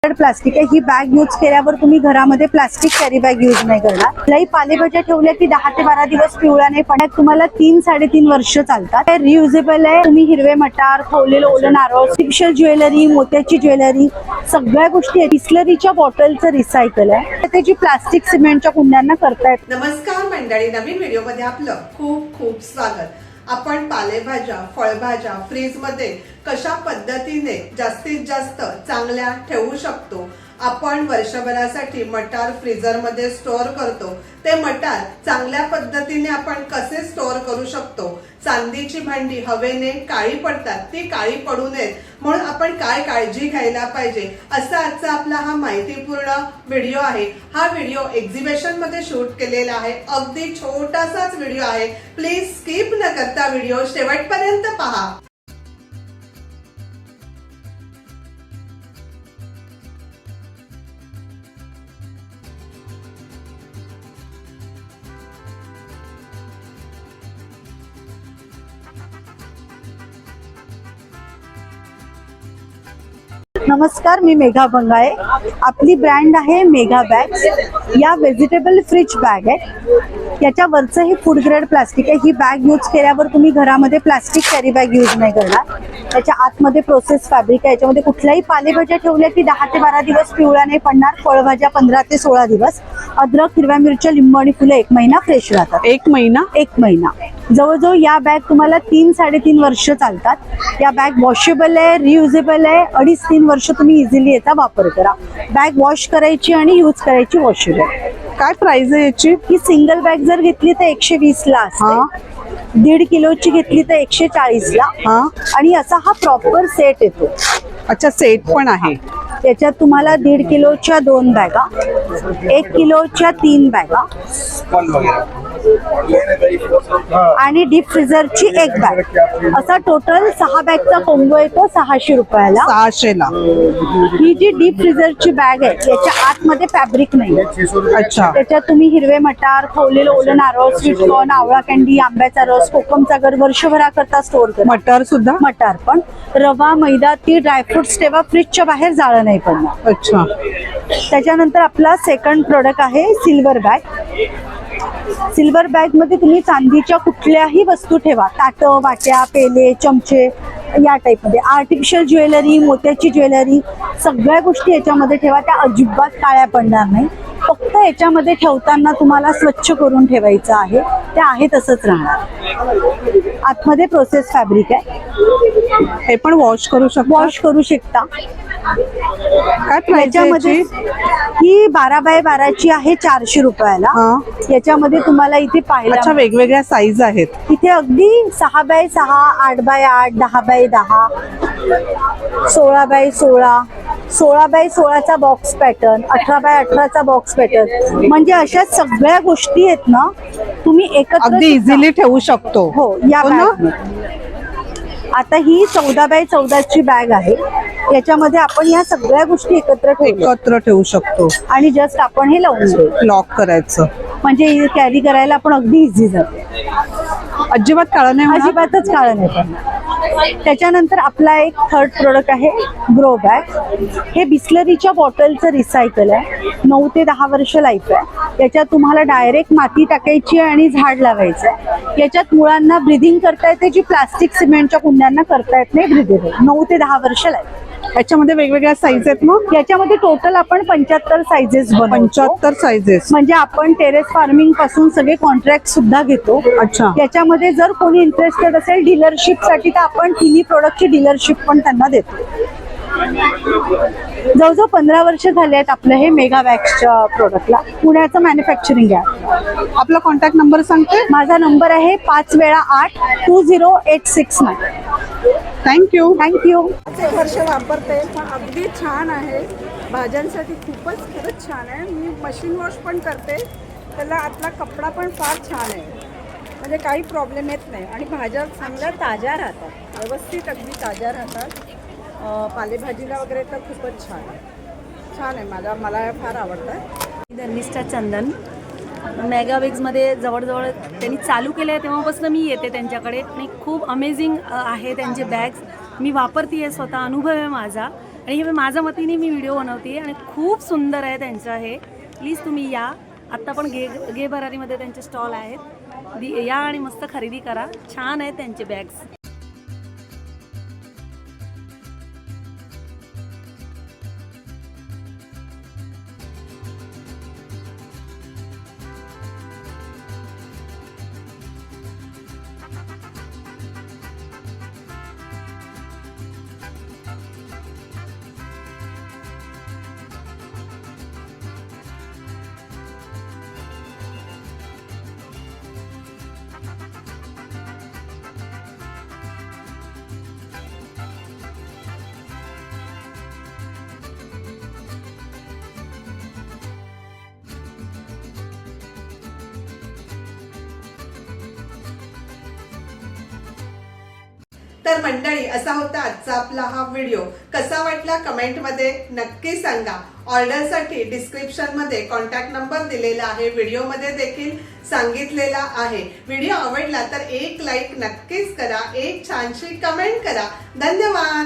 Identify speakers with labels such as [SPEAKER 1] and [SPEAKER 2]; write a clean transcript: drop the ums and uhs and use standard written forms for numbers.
[SPEAKER 1] Plastic आहे। ही bag use केल्यावर तुम्ही घरामध्ये प्लास्टिक कॅरी बॅग यूज नाही करणार। कुठल्याही पालेभाज्या ठेवल्या की 10 ते 12 दिवस पिवळा नाही पडत। तुम्हाला 3-3.5 वर्ष चालतात। हे रियुजेबल आहे। तुम्ही हिरवे मटार, खवलेलं ओलं नारळ, आर्टिफिशियल ज्वेलरी, मोत्याची ज्वेलरी सगळ्या गोष्टी आहेत। बिस्लरीच्या बॉटलचं रिसायकल आहे। त्याची प्लास्टिक सिमेंटच्या कुंड्यांना करतायत।
[SPEAKER 2] नमस्कार मंडळी, नवीन व्हिडिओ मध्ये आपलं खूप खूप स्वागत। आपण पालेभाज्या, फळभाज्या फ्रीज मध्ये कशा पद्धतीने जास्तीत जास्त चांगल्या ठेवू शकतो। आपण वर्षभरासाठी मटार फ्रीजर मध्ये स्टोअर करतो, ते मटार चांगल्या पद्धतीने आपण कसे स्टोअर करू शकतो। चांदीची भांडी हवेने काळी पडतात, ती काळी पडू नयेत म्हणून आपण काय काळजी घ्यायला पाहिजे, असा आजचा आपला हा माहितीपूर्ण व्हिडिओ आहे। हा व्हिडिओ एक्झिबिशन मध्ये शूट केलेला आहे। अगदी छोटासाच व्हिडिओ आहे। प्लीज स्किप न करता व्हिडिओ शेवटपर्यंत पहा।
[SPEAKER 1] नमस्कार, मी मेघा बंगाळे। आपली ब्रँड आहे मेघा बॅग्स। या व्हेजिटेबल फ्रिज बॅग आहे। याच्यावरचं हे फूड ग्रेड प्लास्टिक आहे। ही बॅग यूज केल्यावर तुम्ही घरामध्ये प्लास्टिक कॅरी बॅग यूज नाही करणार। त्याच्या आतमध्ये प्रोसेस फॅब्रिक आहे। याच्यामध्ये कुठल्याही पालेभाज्या ठेवल्या की 10 ते 12 दिवस पिवळा नाही पडणार। फळभाज्या 15 ते 16 दिवस। अद्रक, हिरव्या मिरच्या, लिंबू आणि फुलं 1 महिना फ्रेश राहतात।
[SPEAKER 3] 1 महिना
[SPEAKER 1] जवळजवळ या बॅग तुम्हाला 3-3.5 वर्ष चालतात। या बॅग वॉशेबल आहे, रियुजेबल आहे। 2.5-3 वर्ष तुम्ही इझिली याचा वापर करा। बॅग वॉश करायची आणि यूज करायची वॉशेबल।
[SPEAKER 3] काय प्राइस आहे याची?
[SPEAKER 1] ही सिंगल बॅग जर घेतली तर 120 ला असते। 1.5 किलोची घेतली तर 140 ला। आणि असा हा प्रॉपर सेट येतो।
[SPEAKER 3] अच्छा, सेट पण आहे।
[SPEAKER 1] त्याच्यात तुम्हाला 1.5 किलोच्या 2 बॅगा, 1 किलोच्या 3 बॅगा आणि डीप फ्रीजरची 1 बॅग, असा टोटल 6 बॅगचा कॉम्बो येतो 600 रुपयाला।
[SPEAKER 3] 600 ला।
[SPEAKER 1] ही जी डीप फ्रीजरची बॅग आहे याच्या आतमध्ये फॅब्रिक नाही।
[SPEAKER 3] अच्छा,
[SPEAKER 1] त्याच्यात तुम्ही हिरवे मटार, खवलेलं ओलं नारळ, स्वीटकॉर्न, आवळा कँडी, आंब्याचा रस, कोकमचा गर वर्षभराकरता स्टोअर करा।
[SPEAKER 3] मटार सुद्धा?
[SPEAKER 1] मटार पण। रवा, मैदा, तीळ, ड्रायफ्रुट्स ठेवा। फ्रीजच्या बाहेर जाळं नाही पडणार।
[SPEAKER 3] अच्छा,
[SPEAKER 1] त्याच्यानंतर आपला सेकंड प्रोडक्ट आहे सिल्वर बॅग। सिल्वर बॅग मध्ये तुम्ही चांदीच्या कुठल्याही वस्तू ठेवा। ताटं, वाट्या, पेले, चमचे या टाइप मध्ये। आर्टिफिशियल ज्वेलरी, मोत्याची ज्वेलरी सगळ्या गोष्टी याच्यामध्ये ठेवा। त्या अजिबात काळ्या पडणार नाही। फक्त याच्यामध्ये ठेवताना तुम्हाला स्वच्छ करून ठेवायचं आहे। ते आहे तसंच राहणार। आतमध्ये प्रोसेस फॅब्रिक आहे।
[SPEAKER 3] हे पण वॉश करू
[SPEAKER 1] शकता।
[SPEAKER 3] काय प्राइस
[SPEAKER 1] याच्यामध्ये ही 12 बाय 12ची आहे 400 रुपयाला। याच्यामध्ये तुम्हाला इथे पाहिजे,
[SPEAKER 3] अच्छा, वेगवेगळ्या साईज आहेत
[SPEAKER 1] इथे। अगदी 6 by 6, 8 by 8, 10 by 10, 16 by 16, 16 by 16चा बॉक्स पॅटर्न, 18 बाय 18चा बॉक्स पॅटर्न, म्हणजे अशा सगळ्या गोष्टी आहेत ना, तुम्ही एकत्र
[SPEAKER 3] अगदी इझिली ठेवू शकतो।
[SPEAKER 1] हो, या बॅग। आता ही 14 बाय 14ची बॅग आहे। याच्यामध्ये आपण या सगळ्या गोष्टी एकत्र
[SPEAKER 3] ठेवू शकतो
[SPEAKER 1] आणि जस्ट आपण हे लावून
[SPEAKER 3] लॉक करायचं,
[SPEAKER 1] म्हणजे कॅरी करायला आपण अगदी इझी जाते।
[SPEAKER 3] अजिबात काळं नाही होणार?
[SPEAKER 1] अजिबातच काळं नाही पडणार। त्याच्यानंतर आपला एक थर्ड प्रोडक्ट आहे ग्रो बॅग। हे बिस्लरीच्या बॉटलचं रिसायकल आहे। 9 ते 10 वर्ष लाईफ आहे। याच्यात तुम्हाला डायरेक्ट माती टाकायची आणि झाड लावायचं आहे। याच्यात मुळांना ब्रिदिंग करता येते, जी प्लास्टिक सिमेंटच्या कुंड्यांना करता येत नाही ब्रिदिंग। 9 ते 10 वर्ष लाईफ।
[SPEAKER 3] याच्यामध्ये वेगवेगळ्या साईज आहेत मग?
[SPEAKER 1] याच्यामध्ये टोटल आपण 75 साइजेस बनवतो।
[SPEAKER 3] 75 साइजेस,
[SPEAKER 1] म्हणजे आपण टेरेस फार्मिंग पासून सगळे कॉन्ट्रॅक्ट सुद्धा घेतो।
[SPEAKER 3] अच्छा,
[SPEAKER 1] याच्यामध्ये जर कोणी इंटरेस्टेड असेल डीलरशिप साठी तर आपण तिन्ही प्रोडक्टची डीलरशिप पण त्यांना देतो। जवळजवळ 15 वर्ष झाले आहेत आपलं हे मेगा बॅग्सच्या प्रोडक्टला। पुण्याचं मॅन्युफॅक्चरिंग आहे।
[SPEAKER 3] आपला कॉन्टॅक्ट नंबर सांगते?
[SPEAKER 1] माझा नंबर आहे 5 वेळा 8 20869।
[SPEAKER 3] थँक्यू।
[SPEAKER 4] एक वर्ष वापरते, पण अगदी छान आहे। भाज्यांसाठी खूपच खरंच छान आहे। मी मशीन वॉश पण करते, त्याला आतला कपडा पण फार छान आहे, म्हणजे काही प्रॉब्लेम येत नाही। आणि भाज्या चांगल्या ताज्या राहतात, व्यवस्थित अगदी ताज्या राहतात। पालेभाजीला वगैरे तर खूपच छान आहे। मला फार आवडतं।
[SPEAKER 5] धर्मिष्ठा चंदन मेगा बॅग्समध्ये जवळजवळ त्यांनी चालू केलं आहे तेव्हापासून मी येते त्यांच्याकडे आणि खूप अमेझिंग आहे त्यांचे बॅग्स। मी वापरते आहे, स्वतः अनुभव आहे माझा। आणि हे माझ्या मतीने मी व्हिडिओ बनवते आणि खूप सुंदर आहे त्यांचं हे. प्लीज तुम्ही या. आत्ता पण गे भरारीमध्ये त्यांचे स्टॉल आहेत. या आणि मस्त खरेदी करा. छान आहेत त्यांचे बॅग्स.
[SPEAKER 2] तर मंडळी, असा होता आजचा आपला हा व्हिडिओ. कसा वाटला कमेंटमध्ये नक्की सांगा. ऑर्डरसाठी डिस्क्रिप्शन मध्ये कॉन्टॅक्ट नंबर दिलेला आहे, व्हिडिओमध्ये देखील सांगितलेला आहे. व्हिडिओ आवडला तर एक लाईक नक्कीच करा, एक छानशी कमेंट करा. धन्यवाद.